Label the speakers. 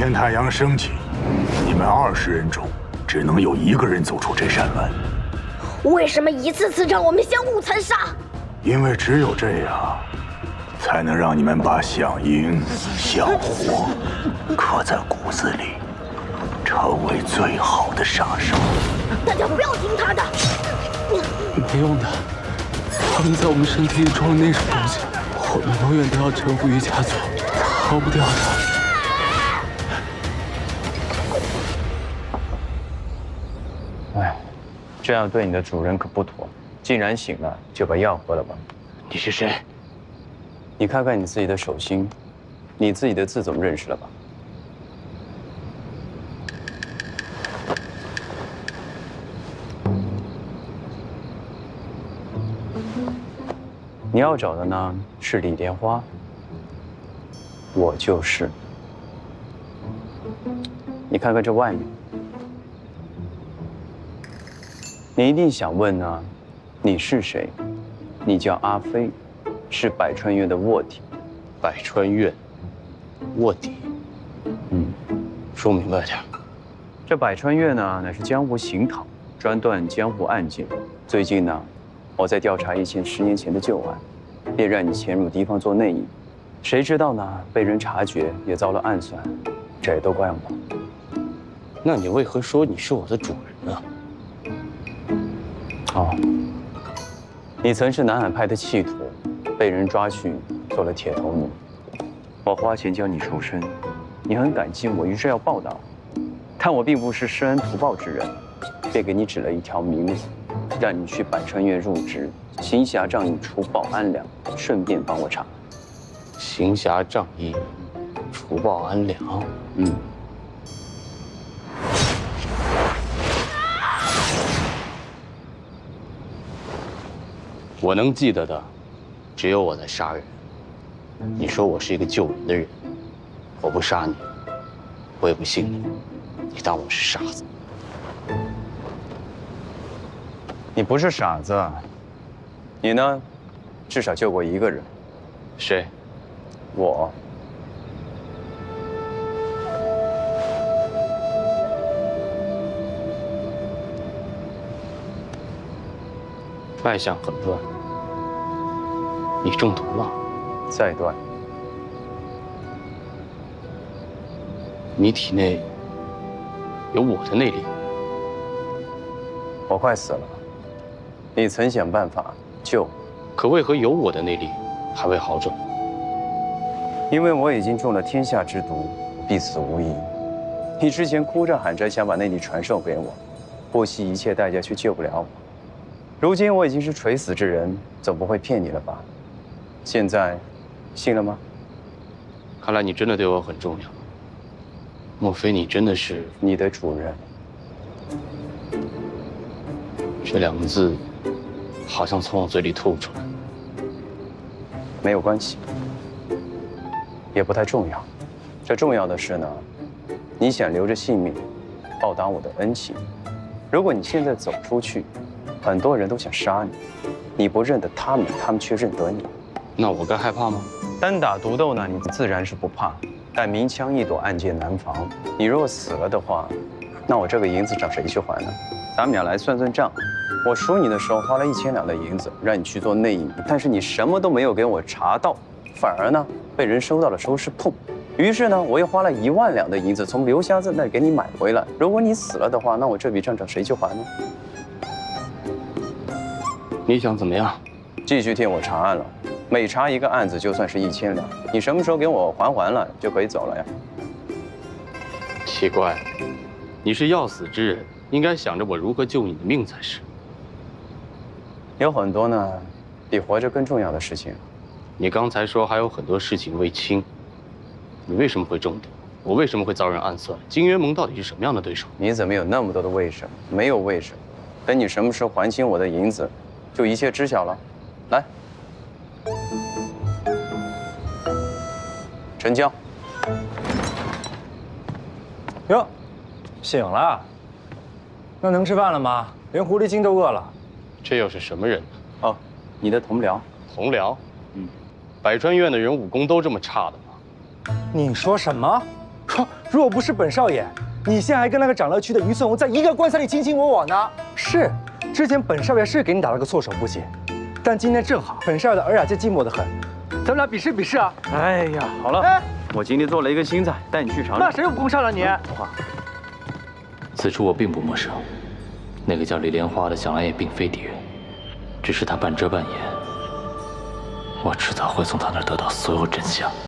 Speaker 1: 天太阳升起，你们20人中只能有1个人走出这扇门。
Speaker 2: 为什么一次次让我们相互残杀？
Speaker 1: 因为只有这样，才能让你们把响应、响火刻在骨子里，成为最好的杀手。
Speaker 2: 大家不要听他的。
Speaker 3: 没用的，他们在我们身体里装了那种东西，我们永远都要臣服于家族，逃不掉的。
Speaker 4: 哎，这样对你的主人可不妥。既然醒了，就把药喝了吧。
Speaker 3: 你是谁？
Speaker 4: 你看看你自己的手心，你自己的字总认识了吧？你要找的呢是李莲花，我就是。你看看这外面，你一定想问呢，你是谁？你叫阿飞，是百川院的卧底。
Speaker 3: 百川院卧底。说明白点。
Speaker 4: 这百川院呢，乃是江湖行讨，专断江湖案件。最近呢，我在调查一件10年前的旧案，便让你潜入敌方做内应。谁知道呢，被人察觉，也遭了暗算，这也都怪我。
Speaker 3: 那你为何说你是我的主人呢？
Speaker 4: 哦，你曾是南海派的弃徒，被人抓去做了铁头奴。我花钱教你赎身，你很感激我，于是要报答我。但我并不是施恩图报之人，便给你指了一条明路，让你去百川院入职，行侠仗义，除暴安良，顺便帮我查。
Speaker 3: 行侠仗义，除暴安良。我能记得的，只有我在杀人。你说我是一个救人的人，我不杀你，我也不信你，你当我是傻子。
Speaker 4: 你不是傻子，你呢，至少救过1个人。
Speaker 3: 谁？
Speaker 4: 我。
Speaker 3: 脉象很乱，你中毒了。
Speaker 4: 再断。
Speaker 3: 你体内有我的内力。
Speaker 4: 我快死了，你曾想办法救，
Speaker 3: 可为何有我的内力还未好转？
Speaker 4: 因为我已经中了天下之毒，必死无疑。你之前哭着喊着想把内力传授给我，不惜一切代价却救不了我。如今我已经是垂死之人，总不会骗你了吧？现在，信了吗？
Speaker 3: 看来你真的对我很重要。莫非你真的是
Speaker 4: 你的主人？
Speaker 3: 这2个字，好像从我嘴里吐出来。
Speaker 4: 没有关系，也不太重要。这重要的是呢，你想留着性命，报答我的恩情。如果你现在走出去，很多人都想杀你，你不认得他们，他们却认得你。
Speaker 3: 那我该害怕吗？
Speaker 4: 单打独斗呢，你自然是不怕，但明枪易躲，暗箭难防。你若死了的话，那我这个银子找谁去还呢？咱们俩来算算账。我赎你的时候花了1000两的银子，让你去做内应，但是你什么都没有给我查到，反而呢被人收到了收尸铺。于是呢，我又花了1万两的银子从刘瞎子那里给你买回来。如果你死了的话，那我这笔账找谁去还呢？
Speaker 3: 你想怎么样？
Speaker 4: 继续替我查案了，每查一个案子就算是1000两。你什么时候给我还了，就可以走了呀？
Speaker 3: 奇怪，你是要死之人，应该想着我如何救你的命才是。
Speaker 4: 有很多呢，比活着更重要的事情。
Speaker 3: 你刚才说还有很多事情未清，你为什么会中毒？我为什么会遭人暗算？金渊盟到底是什么样的对手？
Speaker 4: 你怎么有那么多的为什么？没有为什么，等你什么时候还清我的银子，就一切知晓了。来，成交。
Speaker 5: 哟，醒了？那能吃饭了吗？连狐狸精都饿了。
Speaker 3: 这又是什么人呢？
Speaker 4: 哦，你的同僚。
Speaker 3: 同僚？百川院的人武功都这么差的吗？
Speaker 5: 你说什么？ 如果不是本少爷，你现在还跟那个长乐区的于顺红在一个棺材里卿卿我我呢。是，之前本少爷是给你打了个措手不及，但今天正好，本少爷的尔雅见寂寞得很，咱们俩比试比试啊！
Speaker 4: 哎呀，好了，
Speaker 5: 哎，
Speaker 4: 我今天做了一个新菜，带你去尝尝。
Speaker 5: 那谁又不上了你？
Speaker 3: 此处我并不陌生，那个叫李莲花的想来也并非敌人，只是他半遮半掩，我迟早会从他那儿得到所有真相。